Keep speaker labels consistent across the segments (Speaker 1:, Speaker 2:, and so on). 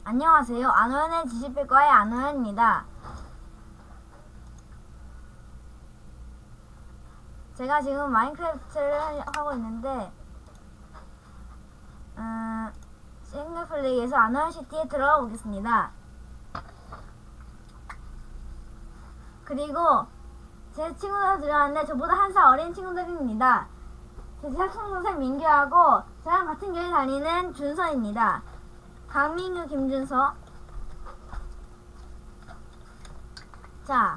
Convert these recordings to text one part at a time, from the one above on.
Speaker 1: 안녕하세요. 안호연의 지식백과의 안호연입니다. 제가 지금 마인크래프트를 하고 있는데 싱글플레이에서 안호연시티에 들어가 보겠습니다. 그리고 제 친구들 들어왔는데 저보다 한 살 어린 친구들입니다. 제 사촌동생 민규하고 저랑 같은 교회 다니는 준서입니다. 강민규, 김준서. 자,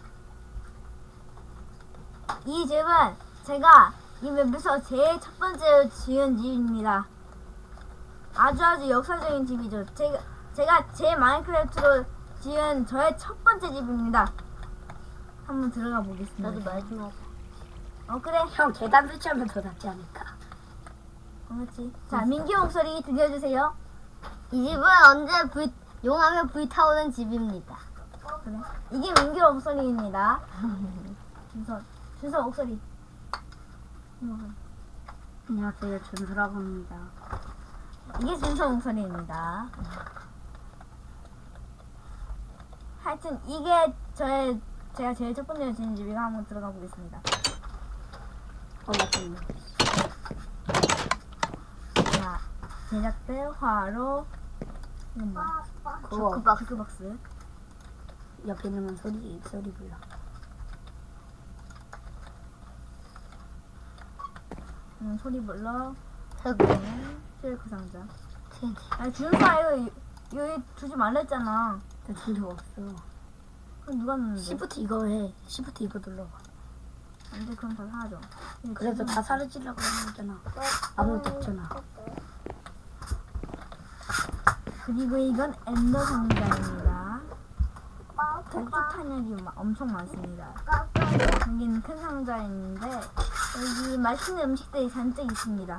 Speaker 1: 이 집은 제가 이 맵에서 제일 첫 번째로 지은 집입니다. 아주 역사적인 집이죠. 제가 제 마인크래프트로 지은 저의 첫 번째 집입니다. 한번 들어가 보겠습니다.
Speaker 2: 나도 말 좀 하자.
Speaker 1: 그래.
Speaker 2: 형 계단 설치하면 더 낫지 않을까?
Speaker 1: 그렇지. 자, 민규 목소리 들려주세요.
Speaker 2: 이 집은 언제 용하면 불타오는 집입니다.
Speaker 1: 그래. 이게 민규 목소리입니다. 준서 목소리.
Speaker 2: 안녕하세요, 준수라고 합니다.
Speaker 1: 이게 준서 목소리입니다. 하여튼 이게 제가 제일 첫 번째로 지은 집이고 한번 들어가 보겠습니다.
Speaker 2: 맞습니다.
Speaker 1: 자, 제작대 화로 이건 뭐?
Speaker 2: 그거
Speaker 1: 주크박스.
Speaker 2: 옆에 있는 건 소리 불러.
Speaker 1: 소리 불러. 실크 상자.
Speaker 2: TNT.
Speaker 1: 아니 준서야 이거 여기 두지 말랬잖아.
Speaker 2: 나 준적 없어.
Speaker 1: 그럼 누가 넣는데?
Speaker 2: 시프트 이거 해. 시프트 이거 눌러봐.
Speaker 1: 안돼, 그럼 다 사라져.
Speaker 2: 그래서 다 사라지려고 하는 거잖아. 아무것도 없잖아.
Speaker 1: 그리고 이건 엔더 상자입니다. 독주 탄약이 엄청 많습니다. 여기는 큰 상자인데 여기 맛있는 음식들이 잔뜩 있습니다.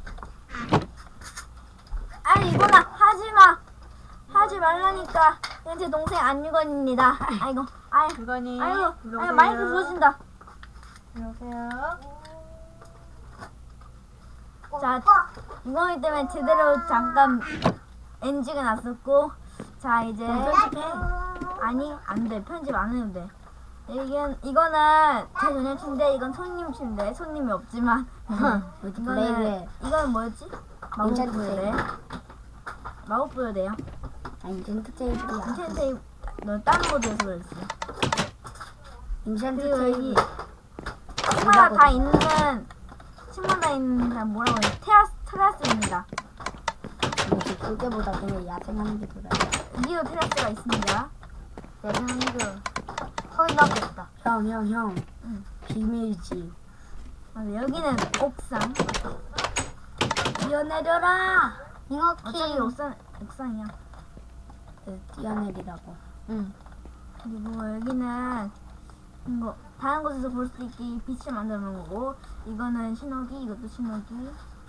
Speaker 1: 아니 이거나 하지마! 하지 말라니까. 이건 제 동생 안유건입니다. 아이고 마이크 부러진다.
Speaker 3: 안녕하세요.
Speaker 1: 자, 이거기 때문에 제대로 잠깐 NG가 났었고, 자 이제 아니 안돼, 편집 안 해도 돼. 이거는 제 전용 침대, 이건 손님 침대. 손님이 없지만 이거는 뭐였지? 마법부여대. 마법부여대요.
Speaker 2: 인챈트 테이블이야.
Speaker 1: 인챈트 테이블. 너 다른 모드에서 그랬어.
Speaker 2: 인챈트
Speaker 1: 그리고 여기
Speaker 2: 테이블.
Speaker 1: 친구가 다 있는 뭐라고 해? 테라스입니다.
Speaker 2: 그때보다 그냥 야생하는 게 더 나아.
Speaker 1: 여기도 테라스가 있습니다.
Speaker 2: 야생하는 게 허위 나겠다. 형.
Speaker 1: 응.
Speaker 2: 비밀지.
Speaker 1: 맞아, 여기는 옥상.
Speaker 2: 뛰어내려라.
Speaker 1: 어차피 옥상이야.
Speaker 2: 뛰어내리라고.
Speaker 1: 응. 그리고 여기는 이거 다른 곳에서 볼 수 있게 빛을 만들어 놓은 거고, 이거는 신호기, 이것도 신호기.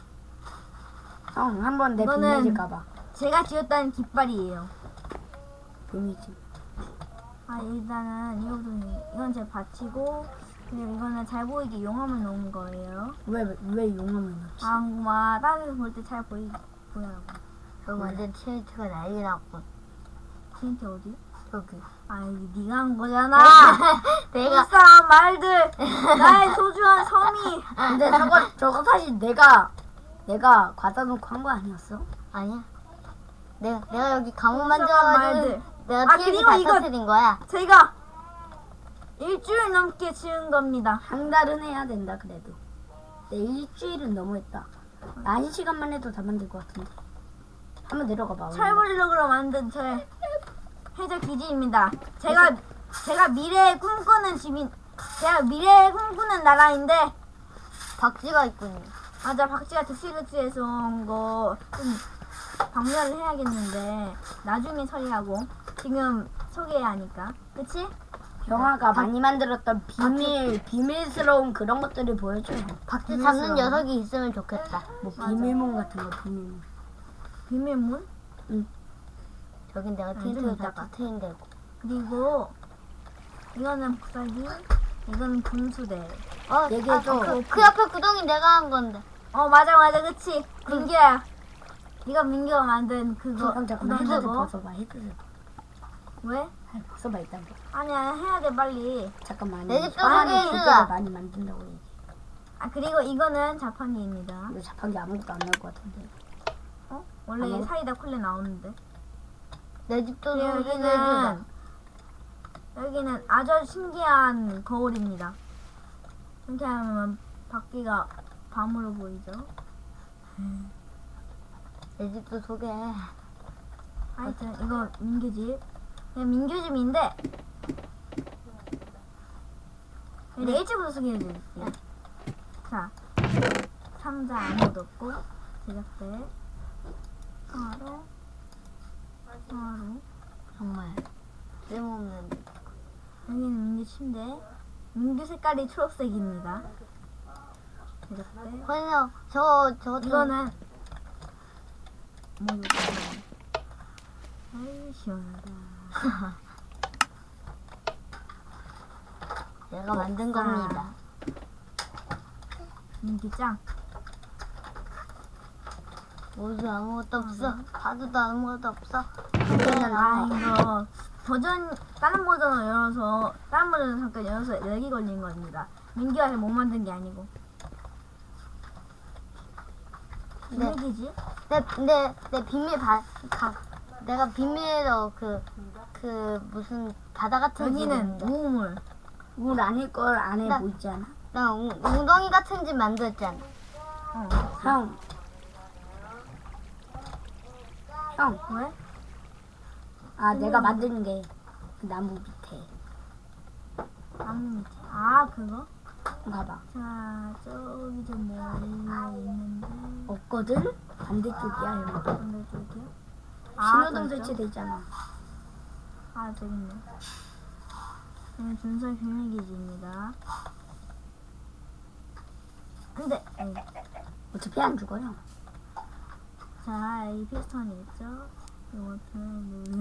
Speaker 2: 형, 한번 내
Speaker 1: 이거는
Speaker 2: 비밀을 까봐.
Speaker 1: 제가 지었다는 깃발이에요.
Speaker 2: 비밀지.
Speaker 1: 일단은 이건 제 밭이고, 그리고 이거는 잘 보이게 용암을 놓은 거예요.
Speaker 2: 왜 용암을 넣지?
Speaker 1: 다른 데서 볼 때 잘 보이라고.
Speaker 2: 형 완전 TNT가 난리 났고.
Speaker 1: TNT 어디?
Speaker 2: 저기.
Speaker 1: 이게 네가 한 거잖아.
Speaker 2: 내가.
Speaker 1: 불쌍한 말들. 나의 소중한 섬이.
Speaker 2: 근데 저거 사실 내가 과자 놓고 한 거 아니었어? 아니야. 내가 여기 감옥
Speaker 1: 불쌍한 말들.
Speaker 2: 만들어가지고 내가 TNT
Speaker 1: 그리고
Speaker 2: 다
Speaker 1: 이거
Speaker 2: 터뜨린 거야.
Speaker 1: 제가 일주일 넘게 지은 겁니다.
Speaker 2: 한 달은 해야 된다 그래도. 내 일주일은 너무했다. 나 1시간만 해도 다 만들 것 같은데. 한번 내려가 봐.
Speaker 1: 철블럭으로 만든 저의 해적 기지입니다. 제가 미래에 꿈꾸는 제가 미래에 꿈꾸는 나라인데,
Speaker 2: 박쥐가 있군요.
Speaker 1: 맞아, 박쥐가 득실득실해서 온 거 좀 박멸을 해야겠는데 나중에 처리하고, 지금 소개해야 하니까. 그치?
Speaker 2: 영화가 많이 만들었던 비밀스러운 그런 것들을 보여줘. 박쥐 잡는 녀석이 있으면 좋겠다. 뭐
Speaker 1: 맞아.
Speaker 2: 비밀문 같은 거 비밀문.
Speaker 1: 비밀문?
Speaker 2: 응. 저긴 내가
Speaker 1: 좀
Speaker 2: TNT를 다
Speaker 1: 이따가.
Speaker 2: 터트린 데고.
Speaker 1: 그리고 이거는 복사기, 이거는 분수대.
Speaker 2: 얘기해줘.
Speaker 1: 그
Speaker 2: 앞에 구덩이 내가 한 건데.
Speaker 1: 맞아, 그치? 민규야. 이거 민규가 만든 그거
Speaker 2: 잠깐만
Speaker 1: 그거
Speaker 2: 헤드셋
Speaker 1: 그거.
Speaker 2: 벗어봐 헤드셋
Speaker 1: 왜?
Speaker 2: 벗어봐 일단
Speaker 1: 아니야 해야 돼 빨리.
Speaker 2: 잠깐만
Speaker 3: 내 집도
Speaker 2: 사람이
Speaker 3: 소개해주라.
Speaker 2: 기계를 많이 만든다고 얘기
Speaker 1: 아 그리고 이거는 자판기입니다.
Speaker 2: 이거 자판기 아무것도 안 나올 것 같은데
Speaker 1: 어? 원래
Speaker 2: 아무-
Speaker 1: 사이다 콜레 나오는데.
Speaker 3: 내 집도
Speaker 1: 그리고
Speaker 3: 소개해주라.
Speaker 1: 여기는 아주 신기한 거울입니다. 이렇게 하면 바퀴가 밤으로 보이죠.
Speaker 3: 내 집도 소개해.
Speaker 1: 하여튼 이거 민규 집. 그냥 민규 집인데 내 집으로 소개해드릴게요. 자, 상자 아무것도 없고 제작대 하루
Speaker 3: 정말 쓸모없는.
Speaker 1: 여기는 민규 침대. 민규 색깔이 초록색입니다. 제작대
Speaker 3: 그래서 저
Speaker 1: 이거는 뭐 이거 아유 시원하다.
Speaker 3: 내가 만든
Speaker 1: 자.
Speaker 3: 겁니다.
Speaker 1: 민규 짱.
Speaker 3: 모두 아무것도 없어. 가두도 아무것도 없어.
Speaker 1: 아 이거 버전 다른 버전을 열어서 다른 버전을 잠깐 열어서 렉이 걸린 겁니다. 민규가 못 만든 게 아니고.
Speaker 3: 네.
Speaker 1: 무슨 얘기지?
Speaker 3: 내 비밀 내가 비밀로 그 무슨 바다 같은 집
Speaker 1: 여기는
Speaker 3: 있는데.
Speaker 1: 우물.
Speaker 2: 물 아닐 걸 안에
Speaker 3: 나-
Speaker 2: 뭐 있지 않아?
Speaker 3: 나 웅덩이 같은 집 만들었잖아.
Speaker 1: 어.
Speaker 2: 형
Speaker 1: 왜?
Speaker 2: 내가 만드는 게 그 나무 밑에
Speaker 1: 나무 밑에. 아 그거?
Speaker 2: 봐봐
Speaker 1: 자 저기 좀 멀리 있는데
Speaker 2: 없거든? 반대쪽이야 형
Speaker 1: 반대쪽이요?
Speaker 2: 신호등
Speaker 1: 그렇죠?
Speaker 2: 설치돼 있잖아
Speaker 1: 아 저기 있네. 여기 준설 비밀기지입니다. 근데
Speaker 2: 어차피 안 죽어요
Speaker 1: 자, 이 피스톤이 있죠? 이것을